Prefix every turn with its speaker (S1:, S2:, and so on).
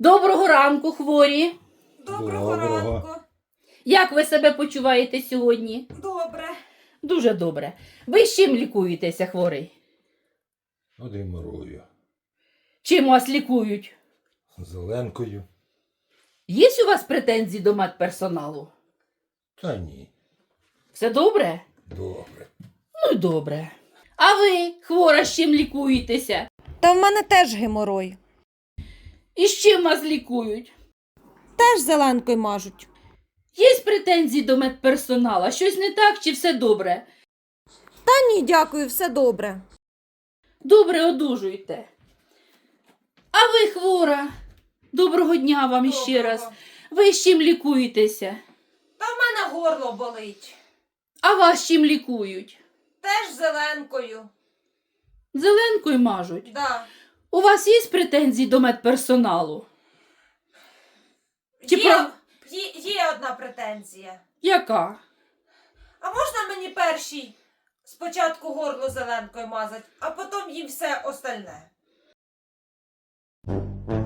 S1: Доброго ранку, хворі.
S2: Доброго ранку.
S1: Як ви себе почуваєте сьогодні?
S2: Добре.
S1: Дуже добре. Ви з чим лікуєтеся, хворий?
S3: Геморою.
S1: Чим вас лікують?
S3: Зеленкою.
S1: Є у вас претензії до медперсоналу?
S3: Та ні.
S1: Все добре?
S3: Добре.
S1: Ну, добре. А ви, хвора, з чим лікуєтеся?
S2: Та в мене теж геморой.
S1: І з чим вас лікують?
S2: Теж зеленкою мажуть.
S1: Є претензії до медперсонала? Щось не так чи все добре?
S2: Та ні, дякую, все добре.
S1: Добре, одужуйте. А ви, хвора? Доброго дня вам іще раз. Ви з чим лікуєтеся?
S2: Та в мене горло болить.
S1: А вас чим лікують?
S2: Теж зеленкою.
S1: Зеленкою мажуть?
S2: Да.
S1: У вас є претензії до медперсоналу? Чи
S2: Є одна претензія.
S1: Яка?
S2: А можна мені першій спочатку горло зеленкою мазати, а потім їм все остальне?